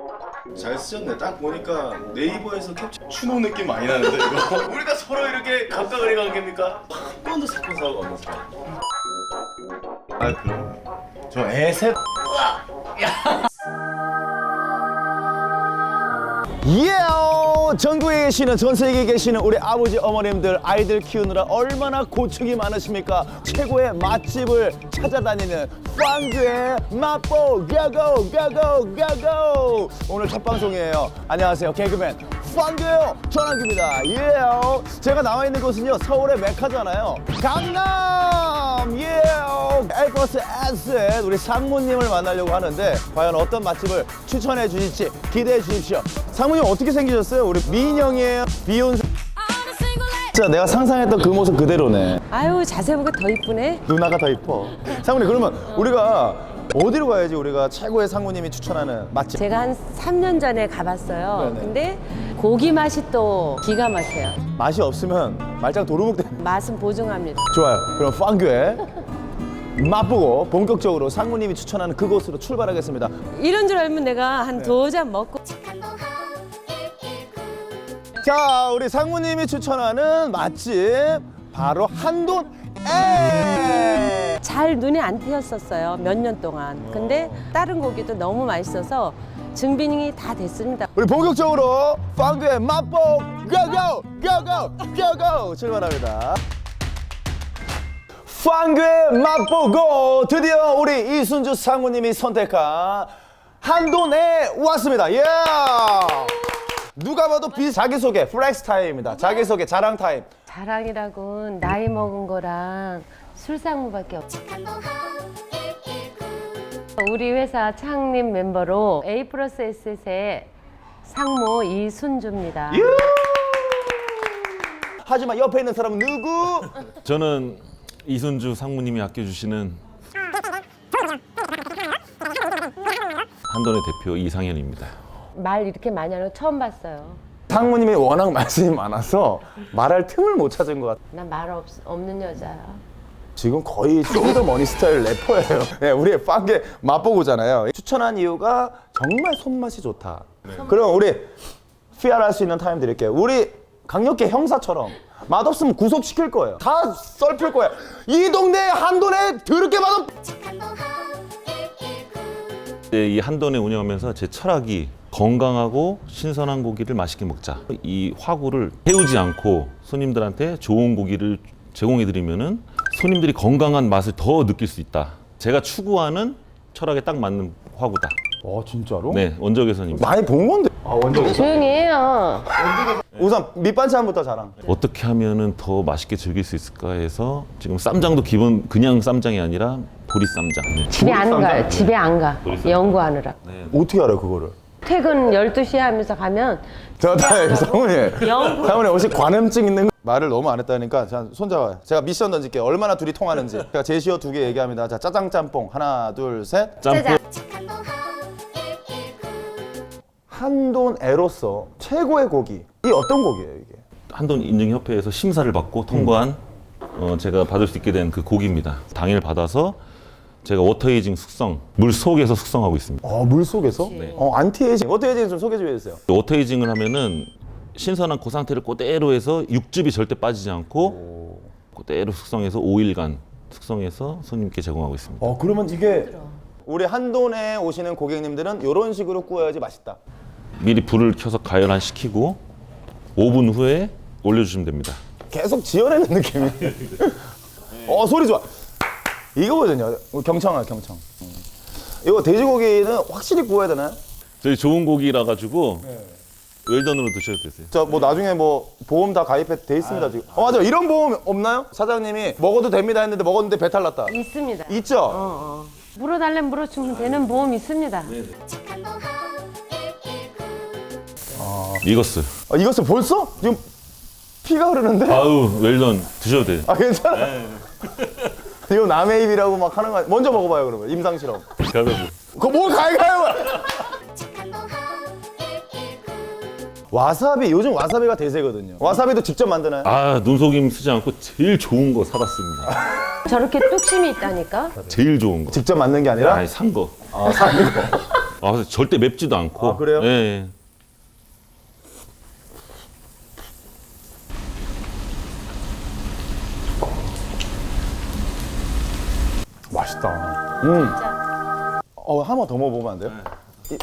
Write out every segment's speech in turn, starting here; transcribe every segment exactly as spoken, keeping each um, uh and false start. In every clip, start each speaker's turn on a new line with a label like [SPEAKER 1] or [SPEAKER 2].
[SPEAKER 1] 잘 쓰셨네. 딱 보니까 네이버에서 캡처 추노 느낌 많이 나는데 이거. 우리가 서로 이렇게 각각을 관계입니까? 한 번도 사건 사고가 없는 사람. 아 그럼 저 애셋.
[SPEAKER 2] 예! 전국에 계시는, 전 세계에 계시는 우리 아버지 어머님들, 아이들 키우느라 얼마나 고충이 많으십니까? 최고의 맛집을 찾아다니는 빵규의 맛보 고고 고고 고고. 오늘 첫 방송이에요. 안녕하세요, 개그맨 빵규예요. 전환규입니다. 예! 제가 나와 있는 곳은요, 서울의 메카잖아요. 강남! 예! 에이버스 에셋 우리 상무님을 만나려고 하는데 과연 어떤 맛집을 추천해 주실지 기대해 주십시오. 상무님 어떻게 생기셨어요? 우리 미인형이에요? 비욘세? 진짜 내가 상상했던 그 모습 그대로네.
[SPEAKER 3] 아유, 자세히 보니까 더 이쁘네.
[SPEAKER 2] 누나가 더 이뻐. 상무님, 그러면 우리가 어디로 가야지 우리가 최고의 상무님이 추천하는 맛집?
[SPEAKER 3] 제가 한 삼 년 전에 가봤어요.
[SPEAKER 2] 네네.
[SPEAKER 3] 근데 고기 맛이 또 기가 막혀요.
[SPEAKER 2] 맛이 없으면 말짱 도루묵 되는.
[SPEAKER 3] 맛은 보증합니다.
[SPEAKER 2] 좋아요. 그럼 빵규에 맛보고 본격적으로 상무님이 추천하는 그곳으로 출발하겠습니다.
[SPEAKER 3] 이런 줄 알면 내가
[SPEAKER 2] 네.
[SPEAKER 3] 한 두 잔 먹고.
[SPEAKER 2] 자, 우리 상무님이 추천하는 맛집 바로 한돈 에.
[SPEAKER 3] 잘 눈에 안 띄었었어요. 몇 년 동안. 근데 다른 고기도 너무 맛있어서 증빙이 다 됐습니다.
[SPEAKER 2] 우리 본격적으로 빵규의 맛보 고고 고고 고고 출발합니다. 빵규의 맛보고 드디어 우리 이순주 상무님이 선택한 한돈에 왔습니다. 예. 누가 봐도 비 자기소개 플렉스 타임입니다. 자기소개 자랑 타임.
[SPEAKER 3] 자랑이라곤 나이 먹은 거랑 술상무밖에 없어. 우리 회사 창립 멤버로 A 플러스 에셋의 상무 이순주입니다.
[SPEAKER 2] 하지만 옆에 있는 사람은 누구?
[SPEAKER 4] 저는 이순주 상무님이 아껴주시는 한돈의 대표 이상현입니다.
[SPEAKER 3] 말 이렇게 많이 하는 거 처음 봤어요.
[SPEAKER 2] 상무님이 워낙 말씀이 많아서 말할 틈을 못 찾은 것 같아요.
[SPEAKER 3] 난 말 없는 여자야.
[SPEAKER 2] 지금 거의 쇼미더머니 스타일 래퍼예요. 네, 우리 빵게 맛보고잖아요. 추천한 이유가 정말 손맛이 좋다. 그럼 우리 피알할 수 있는 타임 드릴게요. 우리 강력계 형사처럼 맛없으면 구속시킬 거예요. 다 썰필 거예요. 이 동네 한돈에 더럽게 맛없.
[SPEAKER 4] 네, 이 한돈에 운영하면서 제 철학이 건강하고 신선한 고기를 맛있게 먹자. 이 화구를 태우지 않고 손님들한테 좋은 고기를 제공해드리면은 손님들이 건강한 맛을 더 느낄 수 있다. 제가 추구하는 철학에 딱 맞는 화구다.
[SPEAKER 2] 어, 진짜로?
[SPEAKER 4] 네, 원적외선입니다.
[SPEAKER 2] 많이 본 건데. 아, 원적.
[SPEAKER 3] 조용히 해요.
[SPEAKER 2] 우선 밑반찬부터 자랑.
[SPEAKER 4] 어떻게 하면은 더 맛있게 즐길 수 있을까 해서 지금 쌈장도 기본 그냥 쌈장이 아니라 보리 쌈장. 네.
[SPEAKER 3] 집에 안 가요. 집에 안 가. 연구하느라.
[SPEAKER 2] 어떻게 알아요, 그거를?
[SPEAKER 3] 퇴근 열두 시에 하면서 가면
[SPEAKER 2] 저, 다 상무님.
[SPEAKER 3] 영-
[SPEAKER 2] 상무님 혹시 관음증 있는 거? 말을 너무 안 했다니까 자, 손잡아요. 제가 미션 던질게요. 얼마나 둘이 통하는지. 제가 제시어 두 개 얘기합니다. 자, 짜장 짬뽕 하나, 둘, 셋.
[SPEAKER 4] 짬뽕.
[SPEAKER 2] 한돈에로서 최고의 고기. 이 어떤 고기예요, 이게?
[SPEAKER 4] 한돈 인증협회에서 심사를 받고 통과한 어, 제가 받을 수 있게 된 그 고기입니다. 당일 받아서 제가 워터에이징 숙성, 물 속에서 숙성하고 있습니다.
[SPEAKER 2] 어, 물 속에서?
[SPEAKER 4] 네.
[SPEAKER 2] 어, 안티에이징. 워터에이징 좀 소개 좀 해주세요.
[SPEAKER 4] 워터에이징을 하면은 신선한 그 상태를 그대로 해서 육즙이 절대 빠지지 않고 그대로 숙성해서 오 일간 숙성해서 손님께 제공하고 있습니다.
[SPEAKER 2] 어, 그러면 이게 우리 한돈에 오시는 고객님들은 이런 식으로 구워야지 맛있다.
[SPEAKER 4] 미리 불을 켜서 가열한 시키고 오 분 후에 올려주시면 됩니다.
[SPEAKER 2] 계속 지어내는 느낌이. 어, 소리 좋아. 이거거든요. 경청아, 경청. 음. 이거 돼지고기는 확실히 구워야 되나요?
[SPEAKER 4] 저희 좋은 고기라 가지고 웰던으로 드셔도 되세요.
[SPEAKER 2] 저 뭐 나중에 뭐 보험 다 가입해 돼 있습니다 지금. 어, 맞아. 이런 보험 없나요? 사장님이 먹어도 됩니다 했는데 먹었는데 배탈 났다.
[SPEAKER 3] 있습니다.
[SPEAKER 2] 있죠?
[SPEAKER 3] 어, 어. 물어달라면 물어주면 되는 보험 있습니다.
[SPEAKER 4] 익었어요.
[SPEAKER 2] 아, 이것을 벌써? 지금 피가 흐르는데?
[SPEAKER 4] 아우 웰던 드셔도 돼요.
[SPEAKER 2] 아, 괜찮아. 이거 남의 입이라고 막 하는 거 아니- 먼저 먹어봐요 그러면 임상 실험.
[SPEAKER 4] 가위바위보.
[SPEAKER 2] 그거 뭘 가위가위보? 와사비, 요즘 와사비가 대세거든요. 와사비도 직접 만드나요?
[SPEAKER 4] 아 눈속임 쓰지 않고 제일 좋은 거 사다 씁니다.
[SPEAKER 3] 저렇게 뚝심이 있다니까.
[SPEAKER 4] 제일 좋은 거.
[SPEAKER 2] 직접 만든 게 아니라?
[SPEAKER 4] 아니 산 거.
[SPEAKER 2] 아, 사는 거.
[SPEAKER 4] 아, 절대 맵지도 않고.
[SPEAKER 2] 아, 그래요?
[SPEAKER 4] 예.
[SPEAKER 2] 맛있다. 음. 어, 한 번 더 먹어보면 안 돼요? 이-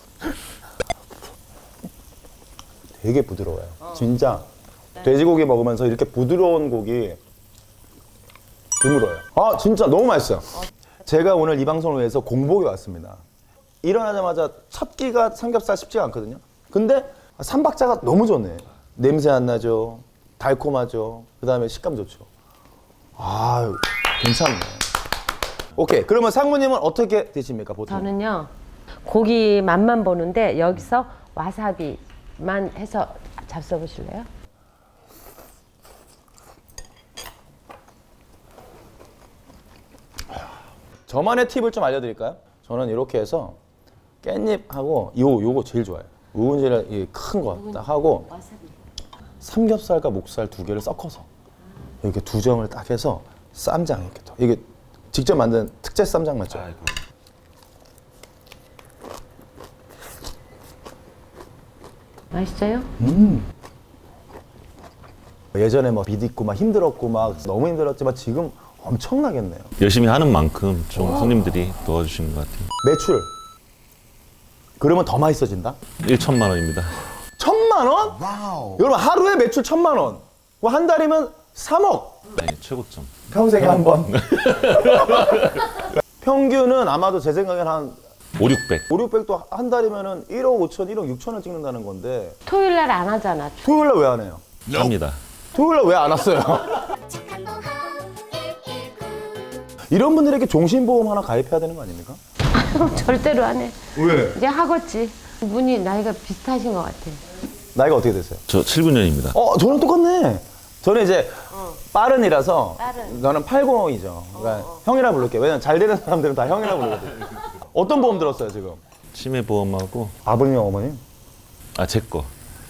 [SPEAKER 2] 되게 부드러워요. 진짜 돼지고기 먹으면서 이렇게 부드러운 고기 드물어요. 아, 진짜 너무 맛있어요. 제가 오늘 이 방송을 위해서 공복에 왔습니다. 일어나자마자 첫 끼가 삼겹살 쉽지가 않거든요. 근데 삼박자가 너무 좋네. 냄새 안 나죠. 달콤하죠. 그 다음에 식감 좋죠. 아, 괜찮네. 오케이. 그러면 상무님은 어떻게 드십니까, 보통?
[SPEAKER 3] 저는요 고기 맛만 보는데 여기서 와사비만 해서 잡숴 보실래요?
[SPEAKER 2] 저만의 팁을 좀 알려드릴까요? 저는 이렇게 해서 깻잎하고 요 요거 제일 좋아요. 우은지를 큰 거 딱 하고 삼겹살과 목살 두 개를 섞어서 이렇게 두 점을 딱 해서 쌈장 이렇게 더 이게 직접 만든 특제 쌈장 맞죠?
[SPEAKER 4] 아이고.
[SPEAKER 3] 맛있어요?
[SPEAKER 2] 예전에 뭐 비디고 막 힘들었고 막 너무 힘들었지만 지금 엄청나겠네요.
[SPEAKER 4] 열심히 하는 만큼 좀 손님들이 도와주시는 것 같아요.
[SPEAKER 2] 매출 그러면 더 맛있어진다?
[SPEAKER 4] 일천만 원입니다.
[SPEAKER 2] 천만 원? 여러분 하루에 매출 천만 원. 그럼 한 달이면 삼억.
[SPEAKER 4] 네, 최고점.
[SPEAKER 2] 평생에 한 번. 평균은 아마도 제 생각엔 한
[SPEAKER 4] 오육백.
[SPEAKER 2] 오육백도 한 달이면은 일억 오천, 일억 육천을 찍는다는 건데
[SPEAKER 3] 토요일 날 안 하잖아.
[SPEAKER 2] 토요일 날 왜 안 해요?
[SPEAKER 4] 합니다.
[SPEAKER 2] 토요일 날 왜 안 왔어요? 이런 분들에게 종신보험 하나 가입해야 되는 거 아닙니까?
[SPEAKER 3] 절대로 안 해.
[SPEAKER 2] 왜?
[SPEAKER 3] 이제 하겠지. 분이 나이가 비슷하신 것 같아.
[SPEAKER 2] 나이가 어떻게 되세요?
[SPEAKER 4] 저 칠십구 년입니다.
[SPEAKER 2] 어, 저랑 똑같네. 저는 이제 빠른이라서
[SPEAKER 3] 빠른.
[SPEAKER 2] 저는 팔공이죠. 그러니까 형이라 부를게요. 왜냐면 잘 되는 사람들은 다 형이라 부르거든요. 어떤 보험 들었어요, 지금?
[SPEAKER 4] 치매보험하고
[SPEAKER 2] 아버님, 어머님?
[SPEAKER 4] 아, 제 거.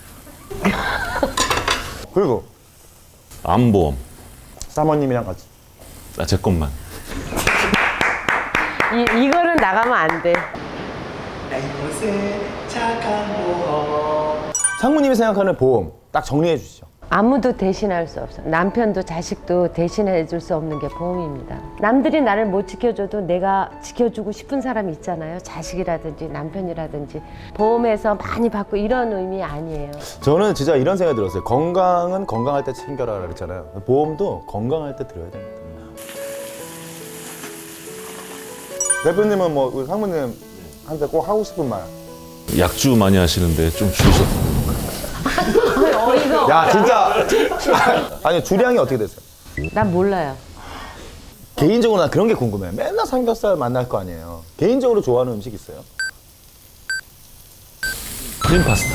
[SPEAKER 2] 그리고
[SPEAKER 4] 암보험.
[SPEAKER 2] 사모님이랑 같이.
[SPEAKER 4] 아, 제 것만.
[SPEAKER 3] 이, 이거는 나가면 안 돼.
[SPEAKER 2] 상무님이 생각하는 보험 딱 정리해 주시죠.
[SPEAKER 3] 아무도 대신할 수 없어. 남편도 자식도 대신해 줄 수 없는 게 보험입니다. 남들이 나를 못 지켜줘도 내가 지켜주고 싶은 사람이 있잖아요. 자식이라든지 남편이라든지. 보험에서 많이 받고 이런 의미 아니에요.
[SPEAKER 2] 저는 진짜 이런 생각이 들었어요. 건강은 건강할 때 챙겨라 그랬잖아요. 보험도 건강할 때 들어야 됩니다. 대표님은 뭐 우리 상무님한테 꼭 하고 싶은 말.
[SPEAKER 4] 약주 많이 하시는데 좀 줄이셨.
[SPEAKER 3] 어이가
[SPEAKER 2] 야 진짜 아니 주량이 어떻게 됐어요?
[SPEAKER 3] 난 몰라요.
[SPEAKER 2] 개인적으로 난 그런 게 궁금해. 맨날 삼겹살 만날 거 아니에요. 개인적으로 좋아하는 음식 있어요?
[SPEAKER 4] 크림 파스타.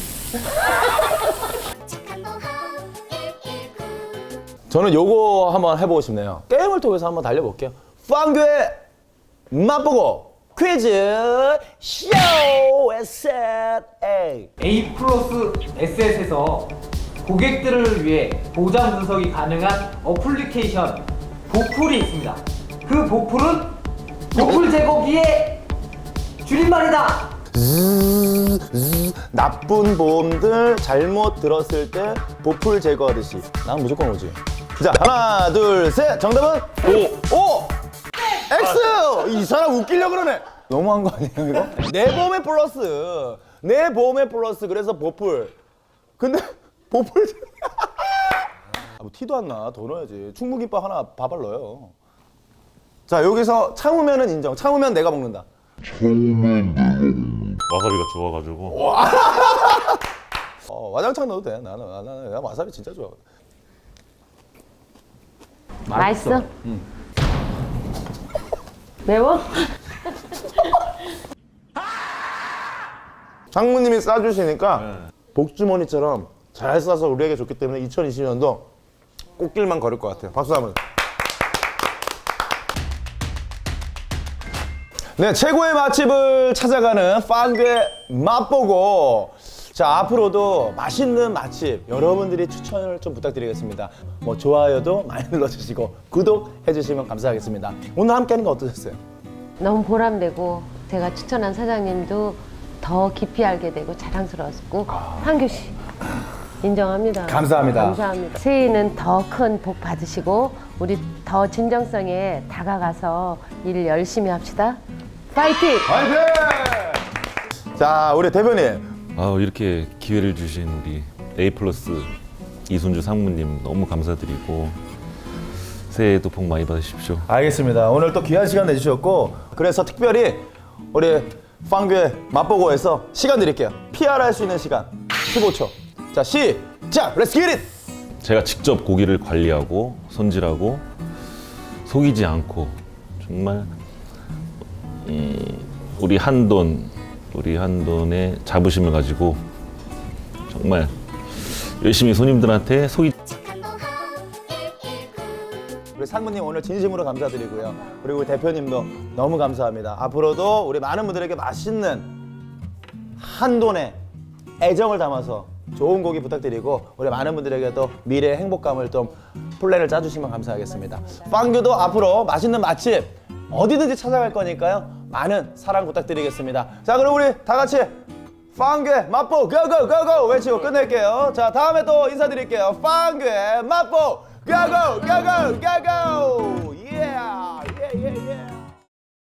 [SPEAKER 2] 저는 요거 한번 해보고 싶네요. 게임을 통해서 한번 달려볼게요. 빵교의 맛보고 퀴즈 쇼 에셋 A.
[SPEAKER 5] A 플러스 에스에스에서 고객들을 위해 보장 분석이 가능한 어플리케이션 보풀이 있습니다. 그 보풀은 보풀 제거기의 줄임말이다.
[SPEAKER 2] 즈즈, 즈즈. 나쁜 보험들 잘못 들었을 때 보풀 제거하듯이 난 무조건 오지. 자 하나 둘 셋 정답은 오! 오! X! 이 사람 웃기려고 그러네. 너무한 거 아니에요 이거? 내 보험에 플러스 내 보험에 플러스 그래서 보풀. 근데 보풀 아, 뭐 티도 안 나. 더 넣어야지. 충무김밥 하나 밥을 넣어요. 자 여기서 참으면은 인정. 참으면 내가 먹는다.
[SPEAKER 4] 와사비가 좋아가지고.
[SPEAKER 2] 어, 와장창 넣어도 돼. 나는 나는 나 와사비 진짜 좋아.
[SPEAKER 3] 맛있어? 매워?
[SPEAKER 2] 상무님이 싸주시니까 복주머니처럼 잘 싸서 우리에게 좋기 때문에 이천이십 년도 꽃길만 걸을 것 같아요. 박수 한번. 네, 최고의 맛집을 찾아가는 빵괴 맛보고. 자, 앞으로도 맛있는 맛집 여러분들이 추천을 좀 부탁드리겠습니다. 뭐 좋아요도 많이 눌러주시고 구독해주시면 감사하겠습니다. 오늘 함께하는 거 어떠셨어요?
[SPEAKER 3] 너무 보람되고 제가 추천한 사장님도 더 깊이 알게 되고 자랑스러웠고 황교 씨 인정합니다.
[SPEAKER 2] 감사합니다.
[SPEAKER 3] 감사합니다. 새해에는 더 큰 복 받으시고 우리 더 진정성에 다가가서 일 열심히 합시다. 파이팅!
[SPEAKER 2] 화이팅! 자, 우리 대표님.
[SPEAKER 4] 아, 이렇게 기회를 주신 우리 A 플러스 이순주 상무님 너무 감사드리고 새해에도 복 많이 받으십시오.
[SPEAKER 2] 알겠습니다. 오늘 또 귀한 시간 내주셨고 그래서 특별히 우리 빵교의 맛보고에서 시간 드릴게요. 피알할 수 있는 시간 십오 초. 자, 시작! Let's get it!
[SPEAKER 4] 제가 직접 고기를 관리하고 손질하고 속이지 않고 정말 음, 우리 한돈 우리 한돈의 자부심을 가지고 정말 열심히 손님들한테 속이
[SPEAKER 2] 우리 상무님 오늘 진심으로 감사드리고요. 그리고 우리 대표님도 너무 감사합니다. 앞으로도 우리 많은 분들에게 맛있는 한돈의 애정을 담아서 좋은 고기 부탁드리고 우리 많은 분들에게도 미래의 행복감을 좀 플랜을 짜주시면 감사하겠습니다. 빵교도 앞으로 맛있는 맛집 어디든지 찾아갈 거니까요. 많은 사랑 부탁드리겠습니다. 자, 그럼 우리 다 같이 빵교의 맛보 고고고고 외치고 끝낼게요. 자, 다음에 또 인사드릴게요. 빵교의 맛보 고고고고고고! 예! 예, 예, 예.